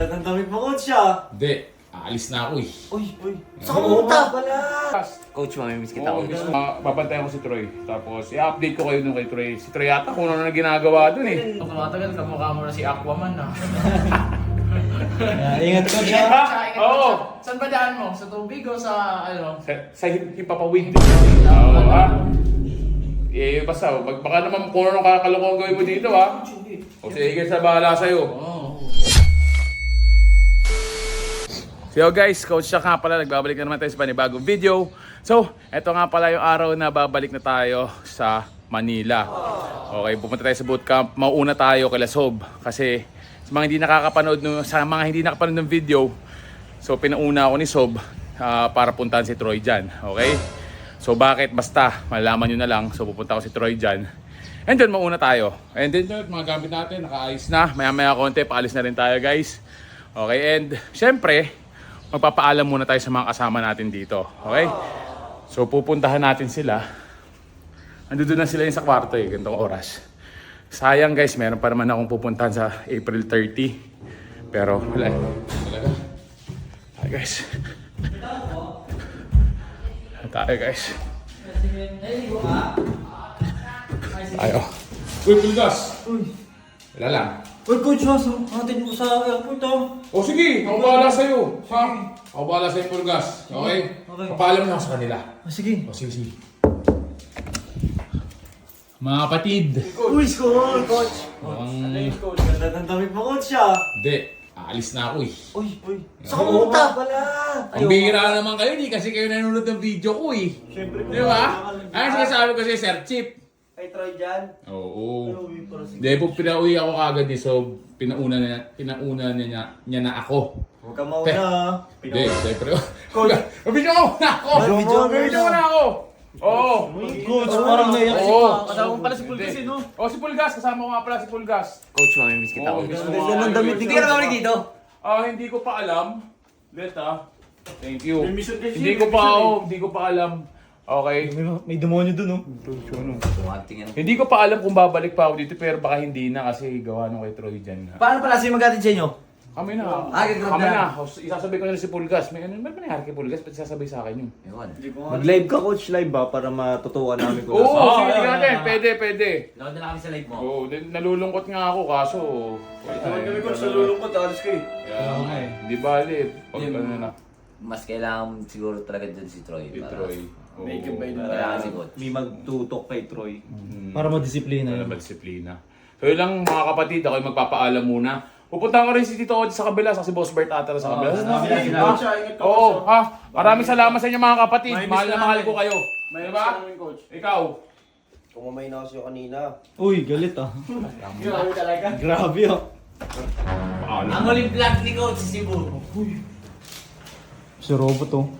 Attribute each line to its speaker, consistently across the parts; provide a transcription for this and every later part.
Speaker 1: Ang damit mo, coach, ah.
Speaker 2: Hindi, aalis na ako eh.
Speaker 1: Uy. Saan ka pumunta? Wala.
Speaker 3: Coach, mamimiss kita.
Speaker 2: Oo, papantayan ko si Troy. Tapos i-update ko kayo dun kay Troy. Si Troy yata kung ano na ginagawa dun eh.
Speaker 4: Pag tumatagal, kamukha mo na si Aquaman na.
Speaker 1: Ingat ka dyan.
Speaker 2: Oo.
Speaker 4: Saan ba daan mo? Sa tubig o sa ano?
Speaker 2: Sa hipapawid. Oo, ha? Eh, basta, baka naman kung ano kakalokohan gawin mo dito, ha? O sige, sa bahala sa'yo. So guys, Coach Shaq nga pala, nagbabalik na naman tayo sa panibagong video. So, eto nga pala yung araw na babalik na tayo sa Manila. Okay, pupunta tayo sa bootcamp. Mauuna tayo kay Lasob. Kasi sa mga hindi nakakapanood ng video, so pinauna ako ni Sob para puntahan si Troy dyan. Okay? So bakit? Basta, malalaman nyo na lang. So pupunta ako si Troy dyan. And then mauna tayo. And then mga gamit natin, nakaayos na. Maya-maya konti, paalis na rin tayo guys. Okay, and syempre, magpapaalam muna tayo sa mga kasama natin dito. Okay? So pupuntahan natin sila. Andun na sila yung sa kwarto eh, ganitong oras. Sayang guys, meron pa naman akong pupuntahan sa April 30. Pero wala eh. Talaga. Hi guys. Tayo guys. Ayo. Uy, Pulgas! Wala lang.
Speaker 1: Uy, coach, hatid mo sa airport, ah.
Speaker 2: O sige, ako bahala sa'yo. Ha? Ako bahala sa'yo, Pulgas. Okay?
Speaker 1: Okay.
Speaker 2: Papaalam na ako sa kanila.
Speaker 1: Sige.
Speaker 2: O sige. Mga kapatid.
Speaker 1: Uy, coach. Coach, ganda ng damit mo, coach, ah.
Speaker 2: Hindi, aalis na ako eh.
Speaker 1: Uy. Saan ka pumunta? Wala.
Speaker 2: Ang bihira naman kayo, di kasi kayo nanonood ng video ko eh.
Speaker 1: Siyempre,
Speaker 2: Di ba? Ay, sinasabi ko sa'yo, Sir Chip.
Speaker 1: Ay, try dyan.
Speaker 2: Oo.
Speaker 1: Uy, para sige.
Speaker 2: Hindi, pag pinauwi ako kagad eh, so pinauna niya na ako.
Speaker 1: Huwag ka mauna, ah.
Speaker 2: Hindi, siyempre.
Speaker 1: Coach.
Speaker 2: Mabidyo mo na ako! Mabidyo mo na ako! Oo!
Speaker 1: Coach, parang naiyak si
Speaker 2: Oo.
Speaker 4: Kasama mo pala si Pulgas eh, no?
Speaker 2: Oh, si Pulgas. Kasama ko nga pala si Pulgas.
Speaker 3: Coach, mamimiss kita.
Speaker 2: Oo,
Speaker 3: Coach.
Speaker 2: gusto ko
Speaker 1: Ganda ng damit ni
Speaker 3: Hindi ka na babalik dito.
Speaker 2: Hindi ko pa alam. Let Thank you.
Speaker 1: May mission kasi,
Speaker 2: Hindi ko
Speaker 1: may
Speaker 2: pa
Speaker 1: mission
Speaker 2: hindi ko pa alam. Okay.
Speaker 1: May demonyo dun, oh.
Speaker 3: Tumating yan.
Speaker 2: Hindi ko pa alam kung babalik pa ako dito pero baka hindi na kasi gawa nung kay Troy dyan.
Speaker 1: Paano pala sa'yo mag-atid sa inyo?
Speaker 2: Kami na.
Speaker 1: Gagrab
Speaker 2: Kami
Speaker 1: na.
Speaker 2: na. Isasabay ko na si Pulgas. May ano ba nangyari kay Pulgas? Ba't sasabay sa akin yun?
Speaker 3: Ewan.
Speaker 5: Mag-live ka, coach, live ba? Para matutuwa namin kung
Speaker 2: Oo,
Speaker 5: nasa-
Speaker 2: sige natin. Pwede.
Speaker 3: Load na kami sa live mo.
Speaker 2: Oo, nalulungkot nga ako kaso.
Speaker 1: Kami, coach, nalulungkot. Alis ka, eh.
Speaker 2: Hindi bali. Pag ano na.
Speaker 3: Mas kailangan siguro talaga dyan si Troy.
Speaker 2: Si
Speaker 3: para-
Speaker 2: Troy.
Speaker 1: May gabay na.
Speaker 3: Kailangan si Coach.
Speaker 5: May magtutok kay Troy.
Speaker 1: Para madisiplina.
Speaker 2: Para madisiplina. So yun lang mga kapatid, ako yung magpapaalam muna. Pupunta ko rin si Tito Otis sa kabila, sa si Boss Bert ata sa kabila. Oo, ha? Maraming salamat sa inyo mga kapatid. Mahal na mahal ko kayo. Diba? Ikaw.
Speaker 5: Kumamay na kasi yung kanina.
Speaker 1: Uy, galit, ah.
Speaker 4: Grabe talaga.
Speaker 1: Grabe, ah.
Speaker 2: Paalam.
Speaker 3: Ang huling vlog ni Coach si Cebu.
Speaker 1: Si robot, oh.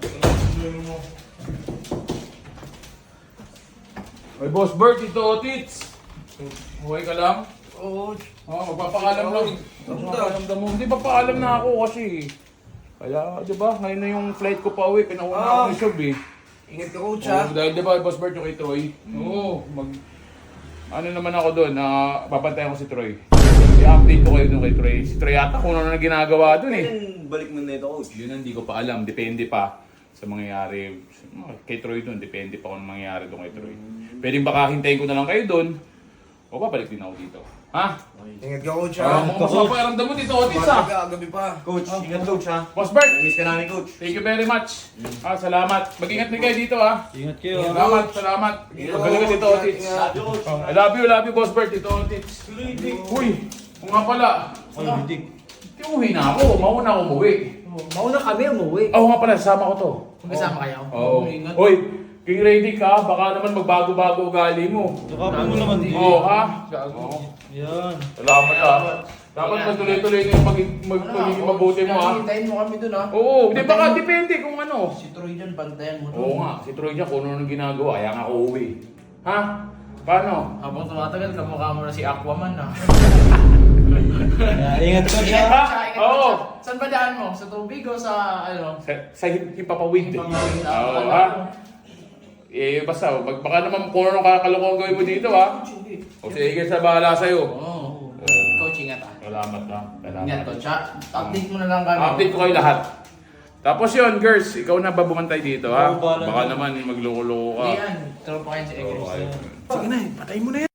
Speaker 2: Ay, Boss Bert, Tito Otis. Huwag ka lang.
Speaker 1: Oo.
Speaker 2: Magpapaalam lang. Magpapaalam mo. Hindi, papaalam na ako kasi. Kaya, di ba, ngayon na yung flight ko pa uwi, pinauna ako ni Sob eh.
Speaker 1: Ingat ka, coach,
Speaker 2: Oo, dahil di ba, Boss Bert yung kay Troy? Oo, ano naman ako doon, babantayan ko si Troy. I-update ko kayo doon kay Troy. Si Troy yata kung ano na ginagawa doon eh.
Speaker 5: Balik mo na ito, coach.
Speaker 2: Yun ang hindi ko pa alam, depende pa sa mangyayari. Kay Troy doon, depende pa kung ano mangyayari doon kay Troy. Pwedeng baka hintayin ko na lang kayo doon, o babalik din ako dito. Ha?
Speaker 1: Ingat ka, coach,
Speaker 2: Mukhang masama pakiramdam mo dito, Otis ah.
Speaker 1: Gabi pa. Coach, ingat, coach, ha.
Speaker 2: Boss Bert,
Speaker 1: Miss ka namin, coach.
Speaker 2: thank you very much. Salamat. Mag-ingat din kayo dito ha.
Speaker 1: Ingat kayo.
Speaker 2: Salamat. Magaling ka dito, Otis. I love you, Boss Bert, dito, Otis. Uy, kung nga pala.
Speaker 1: Ay, hindi.
Speaker 2: Uwi na ako, mauna ako umuwi.
Speaker 4: Mauna kami umuwi.
Speaker 2: Oo nga pala, sasama ko to.
Speaker 4: Magkasama kayo?
Speaker 2: Oo.
Speaker 4: Ingat.
Speaker 2: Hoy, king ready ka, baka naman magbago-bago ugali mo.
Speaker 1: Yakapin mo naman din.
Speaker 2: Oo ha? Oo.
Speaker 1: Yan.
Speaker 2: Salamat ha. Dapat magtuloy-tuloy na yung magiging mabuti mo ha.
Speaker 4: Hintayin mo kami dun, ha?
Speaker 2: Oo, di baka depende kung ano.
Speaker 4: Si Troy dyan, bantayan mo dun.
Speaker 2: Oo nga, si Troy niya kung ano nang ginagawa, kaya nga ako uwi. Ha? Paano?
Speaker 4: Habang tumatagal, kamukha mo na si Aquaman na.
Speaker 1: Ingat ka dyan.
Speaker 2: Oo.
Speaker 4: Saan ba daan mo? Sa tubig o sa ano?
Speaker 2: Sa hipapawid.
Speaker 4: Hipapawid.
Speaker 2: Oo, ha? Eh, basta, baka naman kung ano kakalokohan gawin mo dito, ha? O sige, sa bahala sa'yo.
Speaker 4: Oo.
Speaker 2: Oo.
Speaker 3: Coach,
Speaker 4: Ingat ah.
Speaker 2: Salamat na.
Speaker 4: Ingat coach ha. Update mo na lang kami.
Speaker 2: Update ko kayo lahat. Tapos yun, girls, ikaw na ba bumantay dito ha?
Speaker 1: Oo, bahala
Speaker 2: Baka
Speaker 1: na.
Speaker 2: naman magloko-loko ka.
Speaker 4: Hindi yan. Tropa kayo si Eggs.
Speaker 2: Sige na, patay mo na yan.